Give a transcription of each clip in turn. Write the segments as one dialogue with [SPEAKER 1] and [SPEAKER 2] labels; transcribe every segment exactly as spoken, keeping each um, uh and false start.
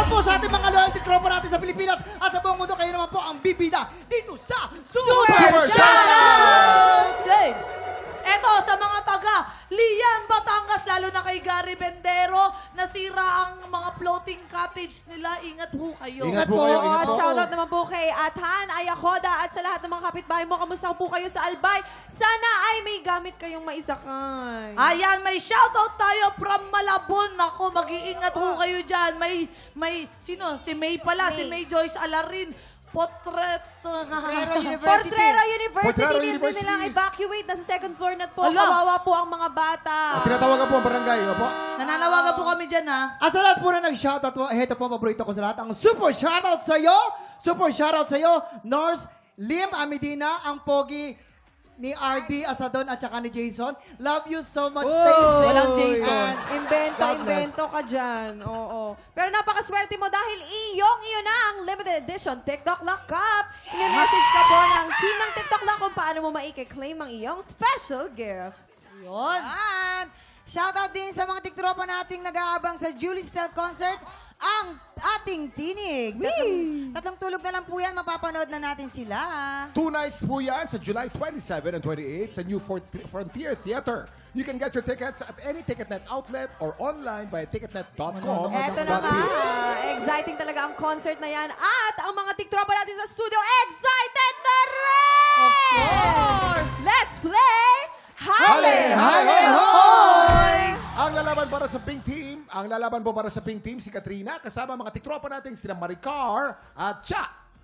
[SPEAKER 1] po sa ating mga loyalty tropa natin sa Pilipinas at sa buong mundo. Kayo naman po ang bibida dito sa Super,
[SPEAKER 2] Super
[SPEAKER 1] Shoutout!
[SPEAKER 2] Say, eto sa mga taga Lian, Batangas, lalo na kay Gary Bendero, nasira ang mga floating cottage nila. Ingat ho kayo.
[SPEAKER 1] Ingat
[SPEAKER 3] Ingat po
[SPEAKER 1] po,
[SPEAKER 3] kayo,
[SPEAKER 1] ingat
[SPEAKER 3] ingat
[SPEAKER 4] At
[SPEAKER 3] po.
[SPEAKER 4] shoutout naman po kay Athan, Ayakoda at sa lahat ng mga kapitbahay mo. Kamusta po kayo sa Albay? Sana ay may gamit kayong maisakay.
[SPEAKER 2] Ayan, may shoutout tayo from Malabon. Ako, mag-iingat ho kayo dyan. May, may, sino? Si May pala, si May Joyce Alarin. Portrait.
[SPEAKER 4] Portrero University. Portrero University.
[SPEAKER 3] Portrero
[SPEAKER 4] Din
[SPEAKER 3] University.
[SPEAKER 4] nilang evacuate. Nasa second floor na po.
[SPEAKER 2] Ala.
[SPEAKER 4] Kawawa po ang mga bata.
[SPEAKER 3] Tinatawagan po ang barangay. Opo.
[SPEAKER 2] Nananawagan po kami dyan, ha?
[SPEAKER 1] At sa lahat po na nag-shoutout po, heto po, paborito ko sa lahat. Ang super shoutout sa iyo, super shoutout sa iyo, Norse Lim Amidina, ang pogi ni R D Asadon at saka ni Jason. Love you so much. Stay safe.
[SPEAKER 2] Walang Jason.
[SPEAKER 1] And
[SPEAKER 4] Invento,
[SPEAKER 1] God bless.
[SPEAKER 4] invento ka dyan. Oo. Pero napakaswerte mo dahil iyong iyo na ang limited edition TikTok Lock Cup. I-message ka po ng team ng TikTok Lock kung paano mo maike-claim ang iyong special gift.
[SPEAKER 2] Yun.
[SPEAKER 5] Yan. Shoutout din sa mga tiktropa nating nag-aabang sa Julie's Style Concert, ang ating tinig. Tatlong, tatlong tulog na lang po yan, mapapanood na natin sila.
[SPEAKER 3] Two nights po yan sa July twenty-seven and twenty-eight sa New Fort- Frontier Theater. You can get your tickets at any TicketNet outlet or online by ticketnet dot com.
[SPEAKER 4] Eto na nga. Exciting talaga ang concert na yan. At ang mga tiktropa natin sa studio, excited na rin!
[SPEAKER 2] Of course.
[SPEAKER 4] Let's play Hale!
[SPEAKER 1] Hale,
[SPEAKER 4] Hoy!
[SPEAKER 3] Ang lalaban para sa Pink Team, ang lalaban po para sa Pink Team, si Katrina, kasama mga tiktropa natin, sila Maricar at Cha.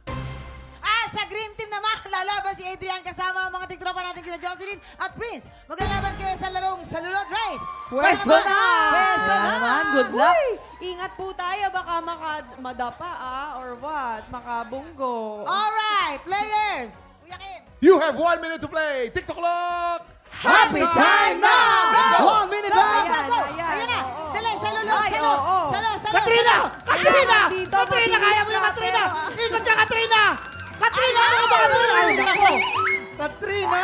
[SPEAKER 5] At sa Green Team naman, lalaban si Adrian kasama ang mga tiktropa natin kina Jocelyn at Prince. Maglalaban kayo sa larong Salulot Race.
[SPEAKER 4] Pwesto na!
[SPEAKER 5] Pwesto
[SPEAKER 2] Wala
[SPEAKER 5] na!
[SPEAKER 2] naman, good luck.
[SPEAKER 4] Uy! Ingat po tayo, baka maka madapa ah, or what? Makabunggo.
[SPEAKER 5] Alright, players! Kuya Kim!
[SPEAKER 3] You have one minute to play. TikTok clock!
[SPEAKER 1] happy time now! One minute
[SPEAKER 5] Go,
[SPEAKER 1] lang!
[SPEAKER 5] go, go!
[SPEAKER 4] Ayan,
[SPEAKER 5] Ayan na!
[SPEAKER 4] oo,
[SPEAKER 5] Dali,
[SPEAKER 4] oo.
[SPEAKER 5] salulot,
[SPEAKER 4] Ay,
[SPEAKER 5] salo!
[SPEAKER 4] oo.
[SPEAKER 5] Salo, salo!
[SPEAKER 1] Katrina! Katrina!
[SPEAKER 4] Dito,
[SPEAKER 1] Katrina! Kaya mo yung
[SPEAKER 4] mabilis
[SPEAKER 1] Katrina!
[SPEAKER 4] ka, pero-
[SPEAKER 1] Ikot ka, Katrina! Katrina! Ano ba Katrina? Ay, nako! Katrina!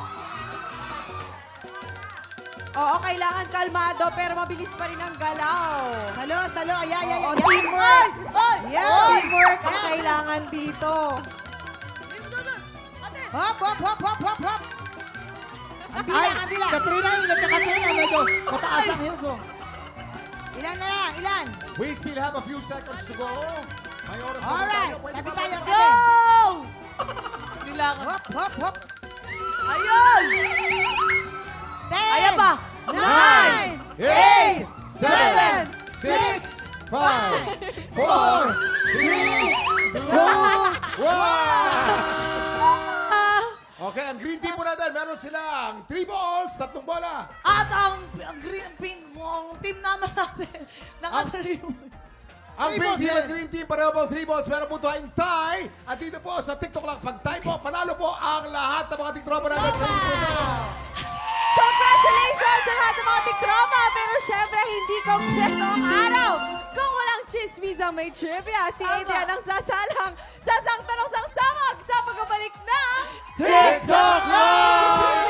[SPEAKER 4] Oo, kailangan kalmado pero mabilis pa rin ang galaw.
[SPEAKER 5] Salo, salo! Ayan, ayan,
[SPEAKER 4] Oo,
[SPEAKER 5] ayan!
[SPEAKER 4] teamwork.
[SPEAKER 2] Ay!
[SPEAKER 5] Yeah.
[SPEAKER 2] Ay!
[SPEAKER 4] Teamwork ang kailangan dito.
[SPEAKER 5] Hop, hop, hop, hop, hop, hop! Ang bila,
[SPEAKER 1] Ay,
[SPEAKER 5] ang bila!
[SPEAKER 1] Katrina! Ingat ka, Katrina! Medyo mataas ang hills, oh.
[SPEAKER 5] Ilan na lang, ilan?
[SPEAKER 3] We still have a few seconds to go. May oras pa po
[SPEAKER 5] Alright,
[SPEAKER 3] tayo. Pwede
[SPEAKER 5] tabi
[SPEAKER 3] pa
[SPEAKER 5] tayo,
[SPEAKER 3] ba?
[SPEAKER 2] Go!
[SPEAKER 5] tabi!
[SPEAKER 2] Kailangan.
[SPEAKER 5] Hop, hop, hop!
[SPEAKER 2] Ayun!
[SPEAKER 5] Ten!
[SPEAKER 2] Ayan pa!
[SPEAKER 5] Nine!
[SPEAKER 3] Eight,
[SPEAKER 4] Seven,
[SPEAKER 3] six, five, four, three, two, one. Okay, ang green team po natin, meron silang three balls, tatlong bola.
[SPEAKER 2] At ang, ang green, pink, ang team naman natin, nakatariw.
[SPEAKER 3] Ang
[SPEAKER 1] Three
[SPEAKER 3] pink
[SPEAKER 1] balls
[SPEAKER 3] team
[SPEAKER 1] yan.
[SPEAKER 3] at green team, pareho po three balls. Meron po tayong tie. At dito po sa TikTok lang, pag tie po, panalo po ang lahat ng mga tiktropa natin sa ito.
[SPEAKER 4] Congratulations sa lahat ng mga tiktropa! Pero syempre, hindi kompleto ang araw. Kung walang chismis ang may trivia, si Adrian ang sasalang sa sang tanong sang samag sa pagbabalik ng
[SPEAKER 1] TikTok Live!